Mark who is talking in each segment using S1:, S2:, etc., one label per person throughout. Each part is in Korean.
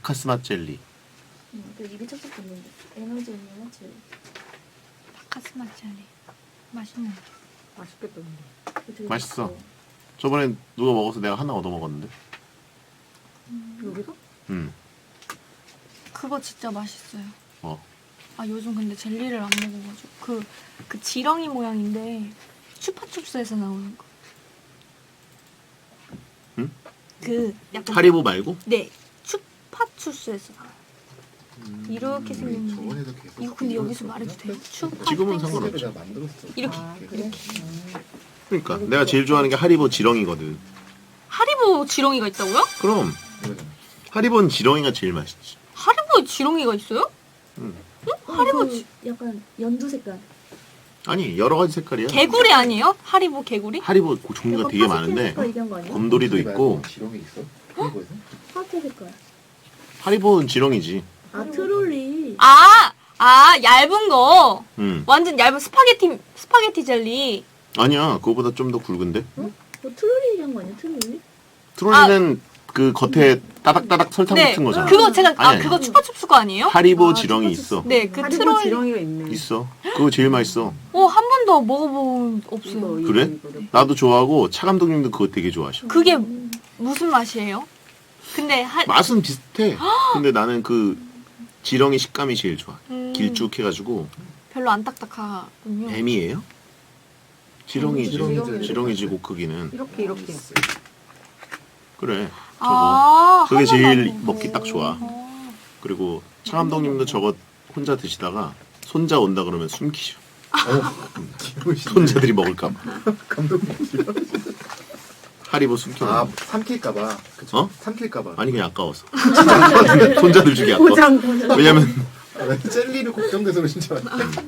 S1: 바카스 맛 젤리.
S2: 그 입이 찹찹 붙는데 에너지 음료 젤리.
S3: 바카스 맛 젤리. 맛있네.
S4: 맛있겠다 근데.
S2: 되게
S1: 맛있어.
S2: 맛있어.
S1: 저번에 누가 먹어서 내가 하나 얻어 먹었는데.
S4: 여기서?
S3: 그거 진짜 맛있어요.
S1: 어.
S3: 아 요즘 근데 젤리를 안 먹어가지고 그 지렁이 모양인데 추파춥스에서 나오는 거.
S1: 응?
S3: 그 약간
S1: 하리보 말고?
S3: 네 추파춥스에서 나와요. 이렇게 생긴 거.
S5: 저번에도 계속
S3: 이거 근데 여기서 말해도 돼요? 추파
S1: 지금은
S3: 땡스.
S1: 상관없지.
S5: 내가 만들었어.
S3: 이렇게.
S4: 그래?
S1: 그러니까 내가 제일 좋아하는 게 하리보 지렁이거든.
S3: 하리보 지렁이가 있다고요?
S1: 그럼
S5: 이거잖아.
S1: 하리보는 지렁이가 제일 맛있지.
S3: 하리보에 지렁이가 있어요?
S2: 하리보 약간 연두 색깔.
S1: 아니 여러 가지 색깔이야.
S3: 개구리 아니에요? 하리보 개구리?
S1: 하리보 그 종류가
S2: 약간
S1: 되게
S2: 파스텔
S1: 많은데
S2: 색깔 얘기한 거 아니야?
S1: 곰돌이도 있고
S5: 지렁이 있어? 그거에서?
S2: 파스텔 색깔.
S1: 하리보는 지렁이지.
S2: 아 트롤리.
S3: 아 얇은 거.
S1: 응.
S3: 완전 얇은 스파게티 젤리.
S1: 아니야 그거보다 좀 더 굵은데.
S2: 뭐 트롤리 얘기한 거 아니야? 트롤리?
S1: 트롤리는 그 겉에 따닥따닥 설탕
S3: 네.
S1: 같은 거잖아.
S3: 그거 제가
S1: 아니,
S3: 그거 추파춥스 거 아니에요?
S1: 하리보
S2: 아,
S1: 지렁이
S2: 추파춥스.
S1: 있어.
S3: 네, 그
S4: 하리보
S3: 트롤.
S4: 지렁이가 있네.
S1: 있어. 그거 제일 맛있어.
S3: 한 번도 먹어본 없어요.
S4: 이거,
S1: 그래?
S4: 이거.
S1: 나도 좋아하고 차 감독님도 그거 되게 좋아하셔.
S3: 그게 무슨 맛이에요? 근데
S1: 맛은 비슷해. 근데 나는 그 지렁이 식감이 제일 좋아. 길쭉해가지고
S3: 별로 안 딱딱하군요.
S1: 뱀이에요? 지렁이지.
S5: 지렁이지.
S1: 지렁이지 고크기는.
S4: 이렇게
S1: 그래. 저거. 그게
S3: 한
S1: 제일
S3: 번도 안
S1: 먹기 딱 좋아.
S3: 먹어보고.
S1: 그리고 차 감독님도 저거 혼자 드시다가 손자 온다 그러면 숨기셔. 손자들이 먹을까봐.
S5: 감독님 싫어?
S1: 하리보 숨기는
S5: 아
S1: 거.
S5: 삼킬까봐. 그쵸?
S1: 어?
S5: 삼킬까봐.
S1: 아니 그냥 아까워서. 손자들 주기 아까워.
S4: 포장.
S1: 왜냐면
S5: 아, 나 젤리를 걱정돼서 그런 줄 알았어.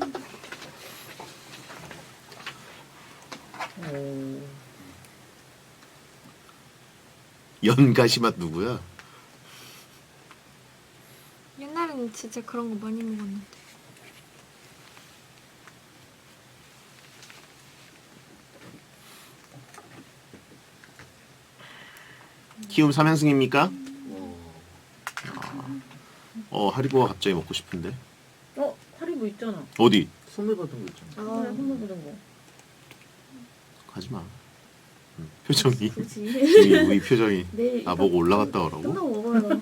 S1: 연가시 맛 누구야?
S3: 옛날에는 진짜 그런 거 많이 먹었는데.
S1: 키움 3연승입니까? 하리보가 갑자기 먹고 싶은데.
S4: 하리보 있잖아.
S1: 어디?
S5: 선물 받은 거 있잖아.
S2: 아 선물 받은 거.
S1: 가지마. 표정이.
S2: 그렇지.
S1: 이 표정이.
S2: 내일
S1: 나보고 올라갔다 오라고?
S2: 끝나고 먹어요.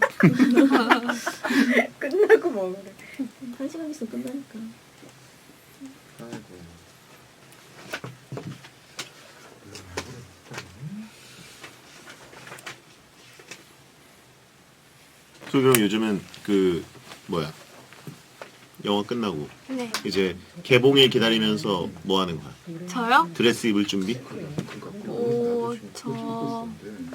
S4: 끝나고 먹으래.
S2: 1시간 있으면 끝나니까.
S5: 아이고.
S1: 저 그럼 요즘은 그 뭐야? 영화 끝나고
S3: 네.
S1: 이제 개봉일 기다리면서 뭐 하는 거야?
S3: 저요?
S1: 드레스 입을 준비?
S3: 저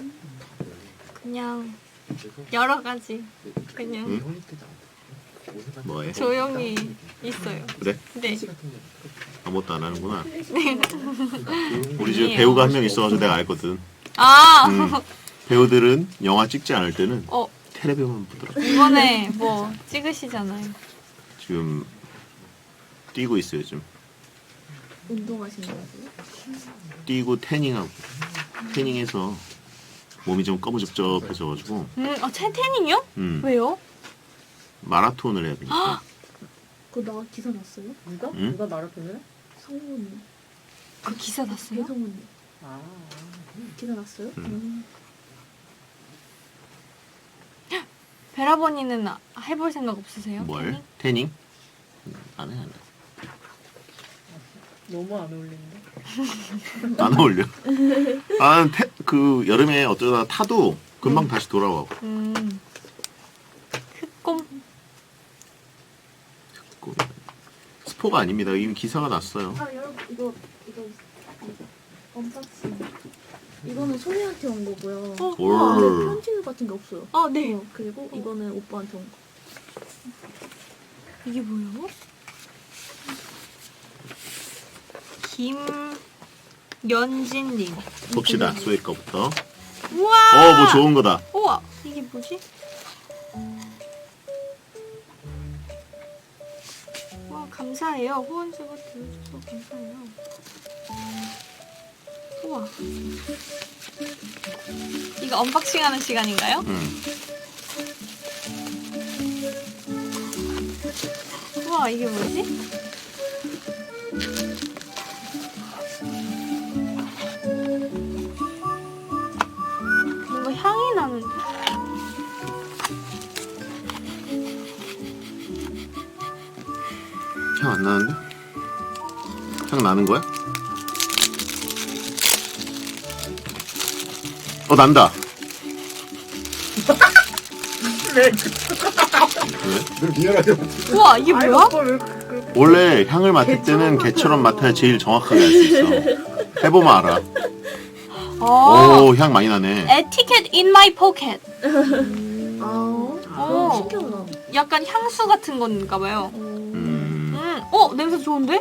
S3: 그냥 여러 가지 그냥
S1: 응? 뭐해?
S3: 조용히 있어요.
S1: 그래?
S3: 네.
S1: 아무것도 안 하는구나.
S3: 네.
S1: 우리 집에
S3: 아니에요.
S1: 배우가 한 명 있어가지고 내가 알거든.
S3: 아
S1: 배우들은 영화 찍지 않을 때는
S3: 어,
S1: 텔레비만 보더라고.
S3: 이번에 뭐 찍으시잖아요.
S1: 지금 뛰고 있어요 요즘.
S2: 운동하신다고.
S1: 뛰고 태닝하고 태닝해서 몸이 좀 꺼무적적해져가지고
S3: 태닝이요? 왜요?
S1: 마라톤을 해야 되니까.
S2: 그거 나 기사 났어요?
S4: 누가?
S1: 응?
S4: 누가 마라톤을?
S2: 성훈이.
S3: 그 기사 났어요?
S2: 배성훈이.
S4: 아.
S2: 기사 났어요?
S3: 베라버니는 해볼 생각 없으세요?
S1: 뭘?
S3: 태닝?
S1: 태닝? 안 해, 안 해.
S4: 너무 안 어울린다.
S1: 안 어울려. 아, 그 여름에 어쩌다 타도 금방 다시 돌아와.
S3: 흑곰?
S1: 스포가 아닙니다. 이미 기사가 났어요.
S2: 아 여러분 이거 언박싱. 이거는 소희한테 온 거고요.
S1: 올.
S2: 편지 같은 게 없어요.
S3: 아, 네.
S2: 그리고 이거는 오빠한테 온 거.
S3: 이게 뭐예요? 김연진님.
S1: 봅시다. 소희 거부터.
S3: 우와!
S1: 뭐 좋은 거다.
S3: 우와! 이게 뭐지? 와, 감사해요. 후원주고 들어줘서 감사해요. 우와. 이거 언박싱 하는 시간인가요? 우와, 이게 뭐지? 뭔가 향이 나는데.
S1: 향 안 나는데? 향 나는 거야? 난다.
S4: 왜?
S1: 왜?
S5: 늘 리얼하게
S3: 우와, 이게
S4: 아이,
S3: 뭐야?
S4: 오빠 왜
S1: 원래 향을 맡을 때는 개처럼 맡아야 제일 정확하게 알 수 있어. 해보면 알아. 오, 향 많이 나네.
S3: 에티켓 in my pocket.
S2: 아, 신기하다.
S3: 약간 향수 같은 건가 봐요. 냄새 좋은데?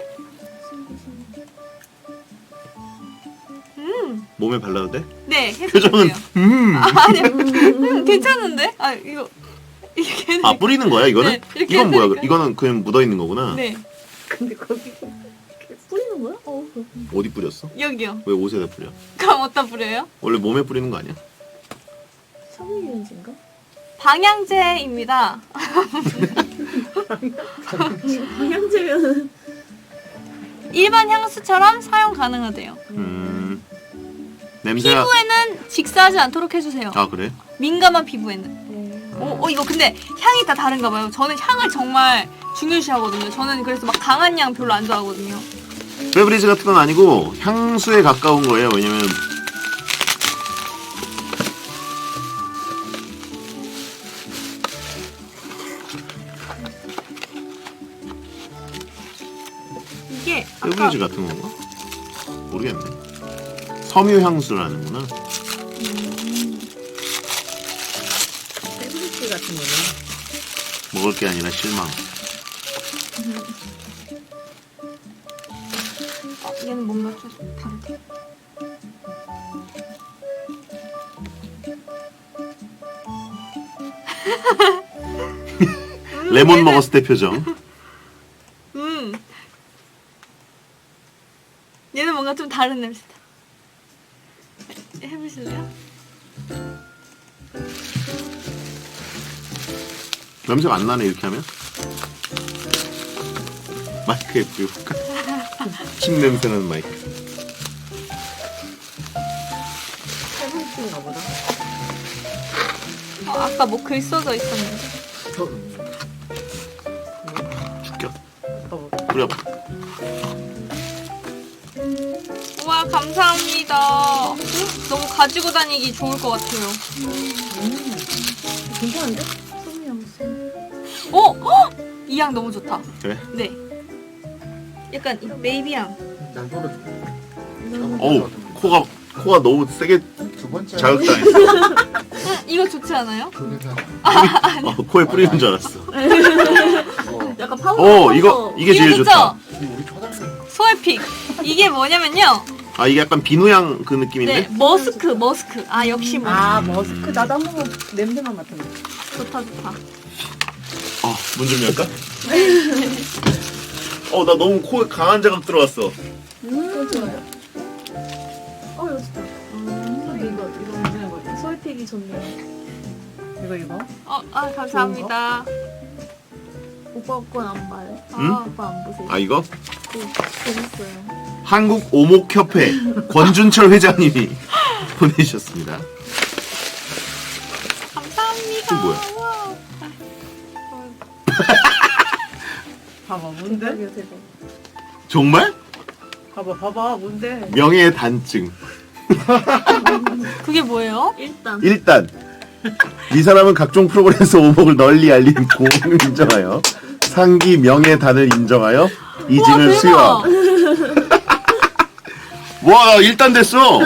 S1: 몸에 발라도 돼?
S3: 네, 해주세요.
S1: 표정은
S3: 아니요. 괜찮은데? 이게
S1: 뿌리는 거야 이거는?
S3: 네, 이렇게
S1: 이건 뭐야?
S3: 해드릴까요?
S1: 이거는 그냥 묻어 있는 거구나.
S3: 네,
S4: 근데 거기
S2: 뿌리는 거야?
S1: 어디 뿌렸어?
S3: 여기요.
S1: 왜 옷에다 뿌려?
S3: 그럼 어디다 뿌려요?
S1: 원래 몸에 뿌리는 거 아니야?
S2: 섬유유연제인가?
S3: 방향제입니다.
S2: 방향제면
S3: 일반 향수처럼 사용 가능하대요.
S1: 냄새가
S3: 피부에는 직사하지 않도록 해주세요.
S1: 아 그래?
S3: 민감한 피부에는. 이거 근데 향이 다 다른가 봐요. 저는 향을 정말 중요시하거든요. 저는 그래서 막 강한 향 별로 안 좋아하거든요.
S1: 페브리즈 같은 건 아니고 향수에 가까운 거예요. 왜냐면
S3: 이게 아까
S1: 페브리즈 같은 건가? 모르겠네. 섬유 향수라는구나.
S4: 세브리스 같은 거는
S1: 먹을 게 아니라 실망.
S3: 얘는 뭔가 좀 다르대.
S1: 레몬 먹었을 때 표정.
S3: 얘는 뭔가 좀 다른 냄새다. 해보실래요?
S1: 냄새가 안 나네 이렇게 하면. 마이크에 뿌려볼까? 침 냄새 나는 마이크.
S4: 세브리스인가 보다.
S3: 아까 뭐 글 써져 있었는데.
S1: 죽여.
S4: 어,
S1: 뿌려봐.
S3: 우와, 감사합니다. 너무 가지고 다니기 좋을 것 같아요.
S4: 괜찮은데?
S2: 섬유향수.
S3: 이 향 너무 좋다.
S1: 그래?
S3: 네. 약간 이 베이비 향.
S5: 난 떨어져.
S1: 어우 코가 너무 세게
S5: 두 번째
S1: 자극당했어.
S3: 이거 좋지 않아요?
S5: 조리사.
S1: 코에 뿌리는 줄 알았어.
S2: 약간 파우더.
S1: 이게 제일
S3: 좋죠?
S1: 좋다.
S5: 우리 초등학생.
S3: 소에픽. 이게 뭐냐면요.
S1: 이게 약간 비누향 그 느낌인데?
S3: 네, 머스크. 역시 머스크.
S4: 아 머스크 나도 한 번만 냄새만 맡았네.
S3: 좋다.
S1: 문 좀 열까? 나 너무 코에 강한 자극 들어왔어.
S2: 좋아요. 이거 좋다.
S4: 이거 괜찮은 거 같아.
S2: 소이픽이 좋네요.
S4: 이거
S3: 감사합니다.
S2: 오빠 건 안 봐요?
S1: 응?
S2: 오빠 안 보세요?
S1: 이거?
S2: 재밌어요.
S1: 한국 오목협회 권준철 회장님이 보내주셨습니다.
S3: 감사합니다.
S1: 이게 뭐야?
S3: 우와.
S4: 봐봐 뭔데?
S2: 대박이야 대박.
S1: 정말?
S4: 봐봐 뭔데?
S1: 명예의 단증.
S3: 그게 뭐예요?
S1: 일단 이 사람은 각종 프로그램에서 오목을 널리 알린 공을 인정하여 상기 명예단을 인정하여 이직을
S3: 우와,
S1: 수여함. 와 1단 됐어.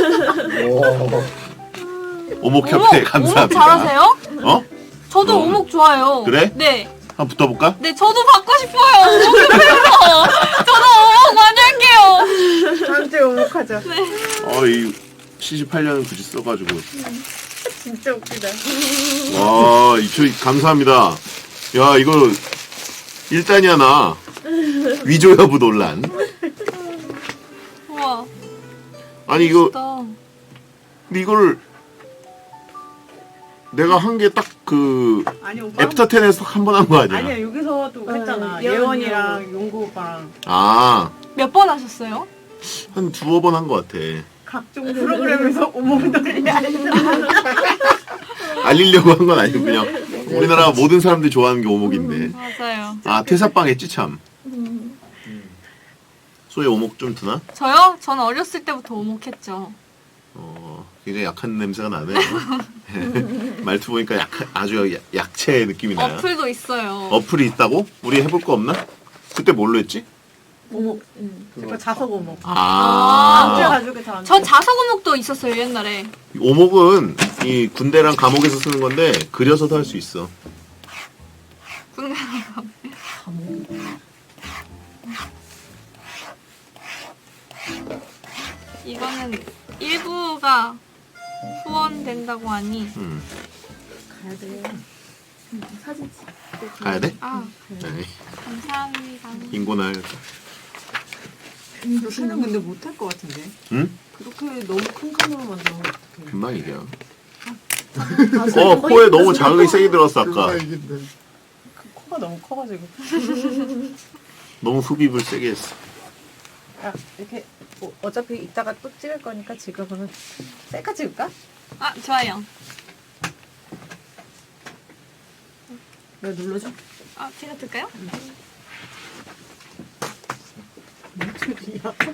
S1: 오목협회 감사합니다.
S3: 오목 잘하세요?
S1: 어?
S3: 저도
S1: 어.
S3: 오목 좋아요.
S1: 그래?
S3: 네.
S1: 한번 붙어볼까?
S3: 네, 저도 받고 싶어요. 오목협회에서. 저도 오목 많이 할게요.
S4: 한테 오목하자.
S1: 이 78년은 굳이 써가지고.
S4: 진짜 웃기다.
S1: 와, 감사합니다. 야, 이거 1단이야 나. 위조 여부 논란.
S3: 우와.
S1: 아니 이거
S3: 멋있다.
S1: 근데 이거를 내가 한 게 딱 그
S4: 아니 오빠.
S1: 애프터 10에서 한 번 한 거 아니야?
S4: 아니야 여기서도 했잖아.
S2: 예원,
S4: 예원이랑 용구 오빠랑
S1: 아,
S3: 몇 번 하셨어요?
S1: 한 두어 번 한 거 같아.
S4: 각종 프로그램에서 오목놀이
S1: 알리려고 한 건 아니고 그냥 우리나라 모든 사람들이 좋아하는 게 오목인데.
S3: 맞아요.
S1: 아, 퇴사빵 했지 참. 소의 오목 좀 드나?
S3: 저요? 저는 어렸을 때부터 오목했죠.
S1: 굉장히 약한 냄새가 나네요. 말투 보니까 아주 약체 느낌이 나요.
S3: 어플도 있어요.
S1: 어플이 있다고? 우리 해볼 거 없나? 그때 뭘로 했지?
S4: 오목. 그거 자석 오목.
S1: 아,
S4: 가지고 다.
S3: 저 자석 오목도 있었어요 옛날에.
S1: 오목은 이 군대랑 감옥에서 쓰는 건데 그려서도 할 수 있어.
S3: 군대 이거는 일부가 후원된다고 하니
S2: 가야 돼요. 사진 찍고
S1: 가야 돼?
S3: 아
S1: 네.
S3: 감사합니다.
S1: 인고날.
S4: 그렇게는 근데 못할 것 같은데.
S1: 응?
S4: 그렇게 너무 큰 카메라 만들면 어떡해.
S1: 금방 이겨.
S2: 가서
S1: 코에 너무 자극이 세게 들었어 아까.
S5: 그거가 이긴데.
S4: 그 코가 너무 커가지고.
S1: 너무 흡입을 세게 했어.
S4: 야 이렇게 어차피 이따가 또 찍을 거니까 지금은 셀카 찍을까?
S3: 아 좋아요.
S4: 내가 눌러줘.
S3: 아 제가 들까요?
S4: 야,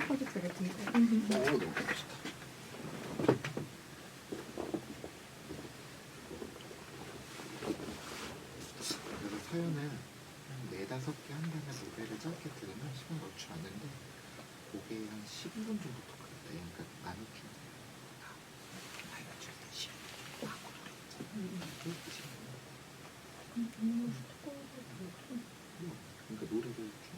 S5: 그래서 사연을 한 4-5개 한 다음에 노래를 짧게 들으면 시간 넣지 않는데 그게 한 15분 정도 더 걸렸다. 그러니까 나누기 그러니까 노래를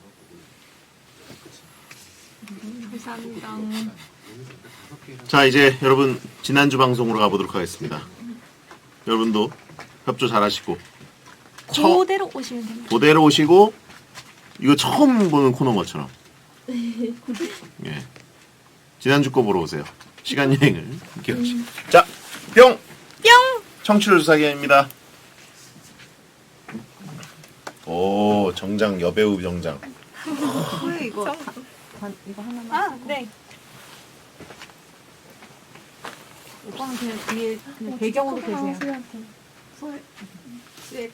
S5: 중간부분
S3: 감사합니다.
S1: 자 이제 여러분 지난주 방송으로 가보도록 하겠습니다. 여러분도 협조 잘하시고
S3: 그대로 오시면 됩니다.
S1: 그대로 오시고 이거 처음 보는 코너인 것처럼 예. 지난주 거 보러 오세요. 시간 여행을 함께 하시고 자 뿅!
S3: 뿅!
S1: 청취율 조사기입니다. 오 정장 여배우 정장.
S4: 소혜 이거 이거 하나만.
S3: 아 네.
S4: 오빠는 그냥 뒤에 그냥 배경으로 계세요.
S2: 소희한테. 소희.
S4: 셋.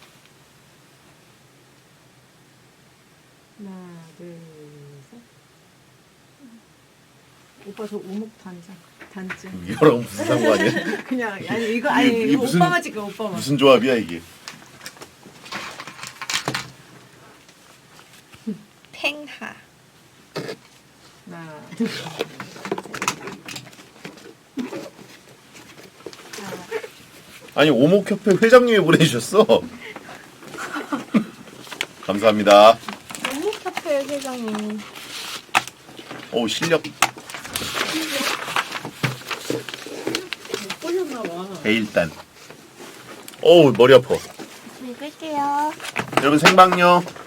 S4: 하나, 둘, 셋. 오빠 저 오목 단증.
S1: 이거랑 무슨 상관이야?
S4: 그냥 아니 이거 아니
S1: 이게
S4: 이거
S1: 무슨-
S4: 오빠만 찍어 오빠만.
S1: 무슨 조합이야 이게?
S3: 팽하.
S4: 하나, 둘.
S1: 아니 오목협회 회장님이 보내주셨어. 감사합니다.
S3: 오목협회 회장님.
S1: 오 실력
S4: 꼴렸나 봐.
S1: 대일단. 오 머리 아파.
S2: 네, 끌게요.
S1: 여러분 생방요.